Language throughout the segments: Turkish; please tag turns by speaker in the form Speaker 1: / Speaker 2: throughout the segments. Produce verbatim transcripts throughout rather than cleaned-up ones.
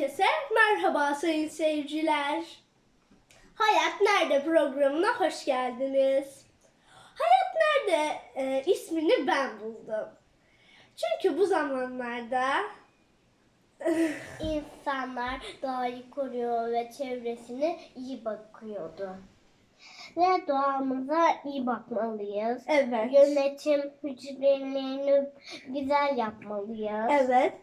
Speaker 1: Herkese merhaba sayın seyirciler. Hayat Nerede programına hoş geldiniz. Hayat Nerede e, ismini ben buldum. Çünkü bu zamanlarda
Speaker 2: İnsanlar doğayı koruyor ve çevresine iyi bakıyordu. Ve doğamıza iyi bakmalıyız.
Speaker 1: evet,
Speaker 2: Yönetim hücrelerini güzel yapmalıyız.
Speaker 1: evet,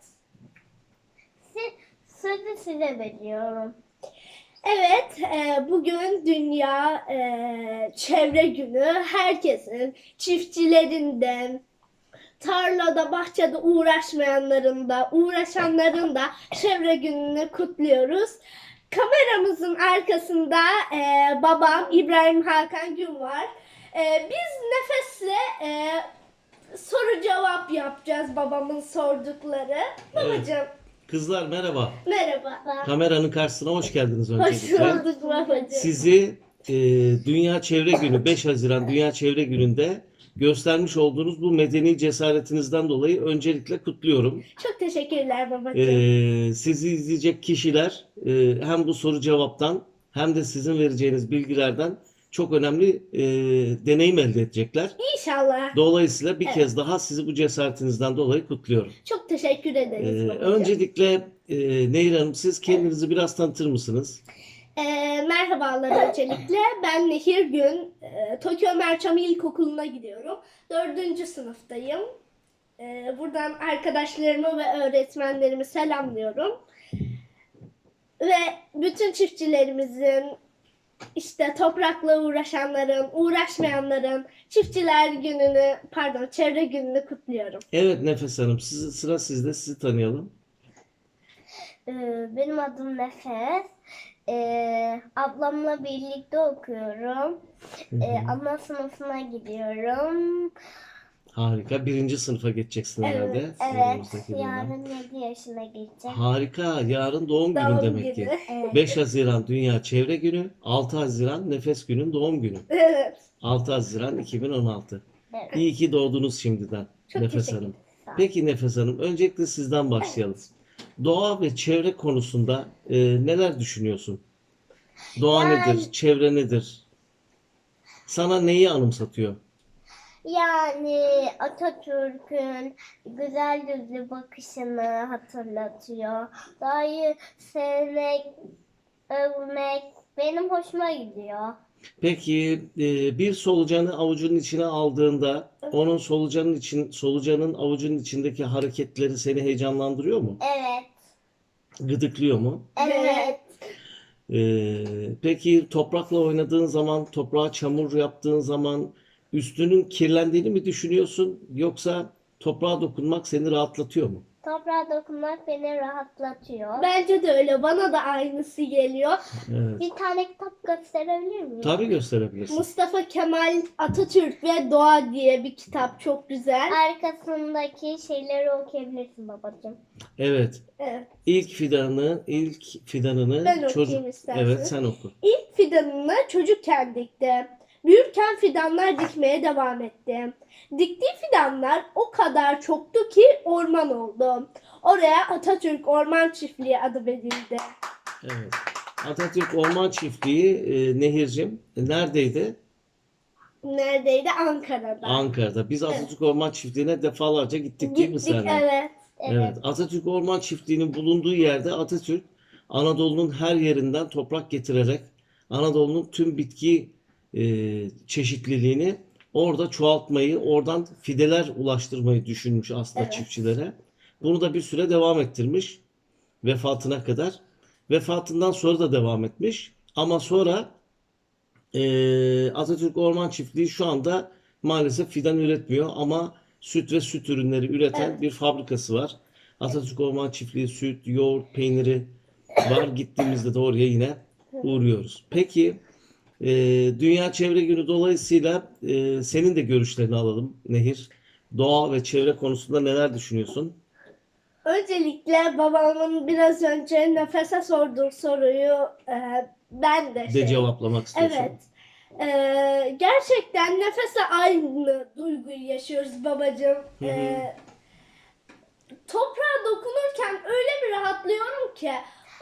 Speaker 2: Siz, sözü size veriyorum.
Speaker 1: evet. E, bugün Dünya e, Çevre Günü. Herkesin, çiftçilerin tarlada, bahçede uğraşmayanların da, uğraşanların da çevre gününü kutluyoruz. Kameramızın arkasında e, babam İbrahim Hakan Gün var. E, biz Nefes'le e, soru cevap yapacağız babamın sordukları. Babacığım
Speaker 3: Kızlar merhaba.
Speaker 1: merhaba.
Speaker 3: Kameranın karşısına hoş geldiniz
Speaker 1: Hoş
Speaker 3: öncelikle.
Speaker 1: bulduk babacığım.
Speaker 3: Sizi e, Dünya Çevre Günü, beş Haziran Dünya Çevre Günü'nde göstermiş olduğunuz bu medeni cesaretinizden dolayı öncelikle kutluyorum.
Speaker 1: Çok teşekkürler babacığım.
Speaker 3: E, sizi izleyecek kişiler e, hem bu soru cevaptan hem de sizin vereceğiniz bilgilerden çok önemli e, deneyim elde edecekler.
Speaker 1: İnşallah.
Speaker 3: Dolayısıyla bir
Speaker 1: Evet.
Speaker 3: kez daha sizi bu cesaretinizden dolayı kutluyorum.
Speaker 1: Çok teşekkür ederiz
Speaker 3: Ee,
Speaker 1: babacığım.
Speaker 3: öncelikle e, Nehir Hanım siz kendinizi biraz tanıtır mısınız?
Speaker 1: E, merhabalar öncelikle. Ben Nehir Gün. E, Tokyo Merçam İlkokulu'na gidiyorum. Dördüncü sınıftayım. E, buradan arkadaşlarımı ve öğretmenlerimi selamlıyorum. Ve bütün çiftçilerimizin, işte toprakla uğraşanların, uğraşmayanların çiftçiler gününü, pardon çevre gününü kutluyorum.
Speaker 3: Evet Nefes Hanım siz, sıra sizde, sizi tanıyalım.
Speaker 2: Ee, benim adım Nefes. Ee, ablamla birlikte okuyorum. Ee, ana sınıfına gidiyorum.
Speaker 3: Harika. Birinci sınıfa geçeceksin
Speaker 1: Evet,
Speaker 3: herhalde.
Speaker 2: Evet,
Speaker 3: önümüzdeki yılda.
Speaker 2: yarın yedi yaşına gireceğim.
Speaker 3: Harika. Yarın doğum günün
Speaker 1: Doğum
Speaker 3: demek
Speaker 1: günü.
Speaker 3: ki.
Speaker 2: Evet.
Speaker 3: beş Haziran Dünya Çevre Günü, altı Haziran Nefes Günü'nün doğum günü.
Speaker 1: Evet.
Speaker 3: altı Haziran iki bin on altı.
Speaker 2: Evet.
Speaker 3: İyi ki doğdunuz şimdiden
Speaker 1: Çok
Speaker 3: Nefes
Speaker 1: teşekkür
Speaker 3: Hanım.
Speaker 2: Sağ ol.
Speaker 3: Peki Nefes Hanım, öncelikle sizden başlayalım. Doğa ve çevre konusunda e, neler düşünüyorsun? Doğa
Speaker 2: Yani-
Speaker 3: nedir? Çevre nedir? Sana neyi anımsatıyor?
Speaker 2: Yani Atatürk'ün güzel yüzlü bakışını hatırlatıyor. Doğayı sevmek, övmek benim hoşuma gidiyor.
Speaker 3: Peki e, bir solucanı avucunun içine aldığında onun solucanın için solucanın avucunun içindeki hareketleri seni heyecanlandırıyor mu?
Speaker 2: Evet.
Speaker 3: Gıdıklıyor mu?
Speaker 2: Evet.
Speaker 3: E, peki toprakla oynadığın zaman, toprağa çamur yaptığın zaman üstünün kirlendiğini mi düşünüyorsun yoksa toprağa dokunmak seni rahatlatıyor mu?
Speaker 2: Toprağa dokunmak beni rahatlatıyor.
Speaker 1: Bence de öyle. Bana da aynısı geliyor.
Speaker 3: Evet.
Speaker 2: Bir tane kitap gösterebilir miyim?
Speaker 3: Tabii gösterebilirsin.
Speaker 1: Mustafa Kemal Atatürk ve Doğa diye bir kitap, çok güzel.
Speaker 2: Arkasındaki şeyleri okuyabilirsin babacığım.
Speaker 3: Evet.
Speaker 1: Evet.
Speaker 3: İlk fidanı, ilk fidanını
Speaker 1: Ben okuyayım
Speaker 3: çocuk.
Speaker 1: istersen.
Speaker 3: Evet, sen oku.
Speaker 1: İlk fidanını çocukken dikti. Büyürken fidanlar dikmeye devam etti. Diktiği fidanlar o kadar çoktu ki orman oldu. Oraya Atatürk Orman Çiftliği adı verildi.
Speaker 3: Evet. Atatürk Orman Çiftliği e, Nehircim e, neredeydi?
Speaker 1: Neredeydi? Ankara'da.
Speaker 3: Ankara'da. Biz Atatürk Orman Çiftliği'ne defalarca gittik değil mi
Speaker 1: Gittik,
Speaker 3: seninle?
Speaker 1: evet.
Speaker 3: Evet. Atatürk Orman Çiftliği'nin bulunduğu yerde Atatürk Anadolu'nun her yerinden toprak getirerek Anadolu'nun tüm bitki e, çeşitliliğini orada çoğaltmayı, oradan fideler ulaştırmayı düşünmüş aslında
Speaker 1: Evet.
Speaker 3: çiftçilere. Bunu da bir süre devam ettirmiş vefatına kadar. Vefatından sonra da devam etmiş. Ama sonra e, Atatürk Orman Çiftliği şu anda maalesef fidan üretmiyor ama süt ve süt ürünleri üreten
Speaker 1: Evet.
Speaker 3: bir fabrikası var. Atatürk Orman Çiftliği süt, yoğurt, peyniri var. Gittiğimizde de oraya yine uğruyoruz. Peki e, Dünya Çevre Günü dolayısıyla e, senin de görüşlerini alalım Nehir. Doğa ve çevre konusunda neler düşünüyorsun?
Speaker 1: Öncelikle babamın biraz önce Nefes'e sorduğu soruyu e, ben de
Speaker 3: De
Speaker 1: şey...
Speaker 3: cevaplamak istiyorsun.
Speaker 1: Evet. Ee, gerçekten Nefes'e aynı duyguyu yaşıyoruz babacığım.
Speaker 3: Hı hı.
Speaker 1: Ee, toprağa dokunurken öyle bir rahatlıyorum ki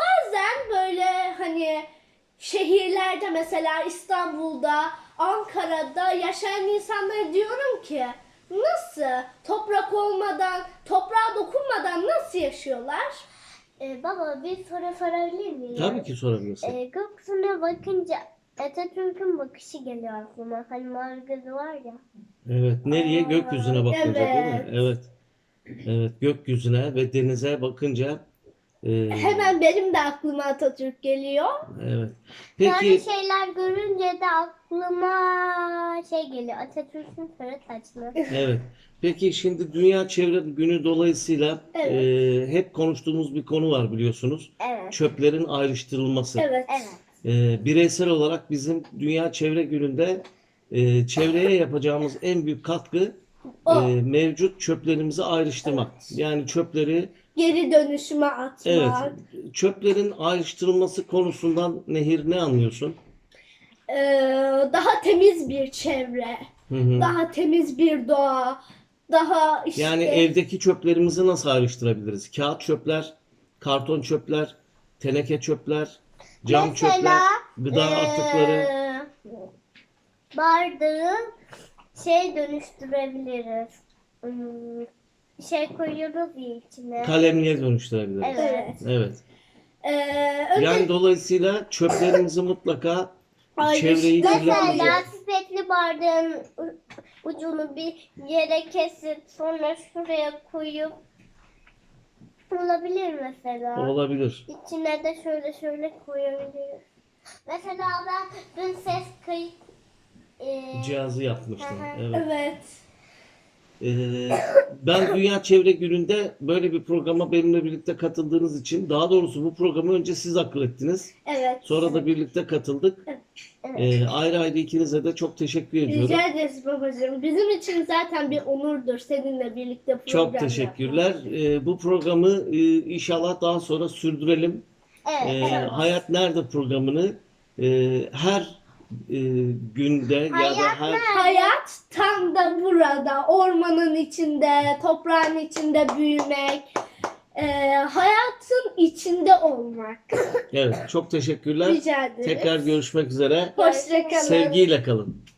Speaker 1: şehirlerde mesela İstanbul'da, Ankara'da yaşayan insanlara diyorum ki nasıl toprak olmadan, toprağa dokunmadan nasıl yaşıyorlar?
Speaker 2: Ee, baba bir soru sorabilir miyim?
Speaker 3: Tabii ki sorabilirsin.
Speaker 2: Ee, gökyüzüne bakınca Atatürk'ün bakışı geliyor aklıma. Hani mavi gözü var ya.
Speaker 3: Evet, nereye? Gökyüzüne bakınca değil mi?
Speaker 1: Evet.
Speaker 3: Evet. Evet, gökyüzüne ve denize bakınca e,
Speaker 1: Hemen benim de aklıma Atatürk geliyor.
Speaker 3: evet.
Speaker 2: Böyle
Speaker 3: Peki
Speaker 2: şeyler görünce de aklıma şey geliyor. Atatürk'ün sarı saçlı.
Speaker 3: evet. Peki şimdi Dünya Çevre Günü dolayısıyla
Speaker 1: Evet.
Speaker 3: e, hep konuştuğumuz bir konu var biliyorsunuz.
Speaker 2: Evet.
Speaker 3: Çöplerin ayrıştırılması.
Speaker 1: Evet.
Speaker 2: Evet.
Speaker 3: E, bireysel olarak bizim Dünya Çevre Günü'nde e, çevreye yapacağımız en büyük katkı
Speaker 1: O.
Speaker 3: e, mevcut çöplerimizi ayrıştırmak. Yani çöpleri
Speaker 1: Geri dönüşüme atmak.
Speaker 3: evet, çöplerin ayrıştırılması konusundan Nehir ne anlıyorsun?
Speaker 1: Ee, daha temiz bir çevre.
Speaker 3: Hı hı.
Speaker 1: Daha temiz bir doğa. Daha işte
Speaker 3: Yani evdeki çöplerimizi nasıl ayrıştırabiliriz? Kağıt çöpler, karton çöpler, teneke çöpler, cam
Speaker 2: Mesela,
Speaker 3: çöpler, gıda
Speaker 2: Ee,
Speaker 3: atıkları.
Speaker 2: bardağı şey dönüştürebiliriz. Hmm, şey koyuyoruz ya içine.
Speaker 3: Kalemliğe dönüştürebiliriz.
Speaker 2: Evet.
Speaker 3: Evet.
Speaker 1: Ee, önce
Speaker 3: Yani dolayısıyla çöplerimizi mutlaka
Speaker 1: Ayrıştır-
Speaker 3: çevreyi
Speaker 1: Mesela
Speaker 3: kirletmeyecek.
Speaker 2: Mesela pipetli bardağın u- ucunu bir yere kesip sonra şuraya koyup olabilir mesela.
Speaker 3: Olabilir.
Speaker 2: İçine de şöyle şöyle koyabiliriz. Mesela ben dün ses kayıt e,
Speaker 3: Cihazı yapmıştım.
Speaker 2: Hı hı.
Speaker 3: Evet.
Speaker 1: evet.
Speaker 3: Ee, ben Dünya Çevre Günü'nde böyle bir programa benimle birlikte katıldığınız için, daha doğrusu bu programı önce siz akıl ettiniz.
Speaker 1: Evet.
Speaker 3: Sonra da birlikte katıldık.
Speaker 2: evet.
Speaker 3: Ee, ayrı ayrı ikinize de çok teşekkür ediyorum.
Speaker 1: Rica ederiz babacığım. Bizim için zaten bir onurdur seninle birlikte program
Speaker 3: Çok
Speaker 1: yapmak.
Speaker 3: teşekkürler. Ee, bu programı e, inşallah daha sonra sürdürelim.
Speaker 2: Evet,
Speaker 3: Ee,
Speaker 2: evet.
Speaker 3: Hayat Nerede programını e, her e, günde ya da
Speaker 2: Hayat
Speaker 3: her
Speaker 2: Nerede?
Speaker 1: Hayat tam da burada. Ormanın içinde, toprağın içinde büyümek. Ee, hayatın içinde olmak.
Speaker 3: evet, çok teşekkürler.
Speaker 1: Rica ederiz.
Speaker 3: Tekrar görüşmek üzere.
Speaker 1: Hoşça kalın.
Speaker 3: Sevgiyle kalın.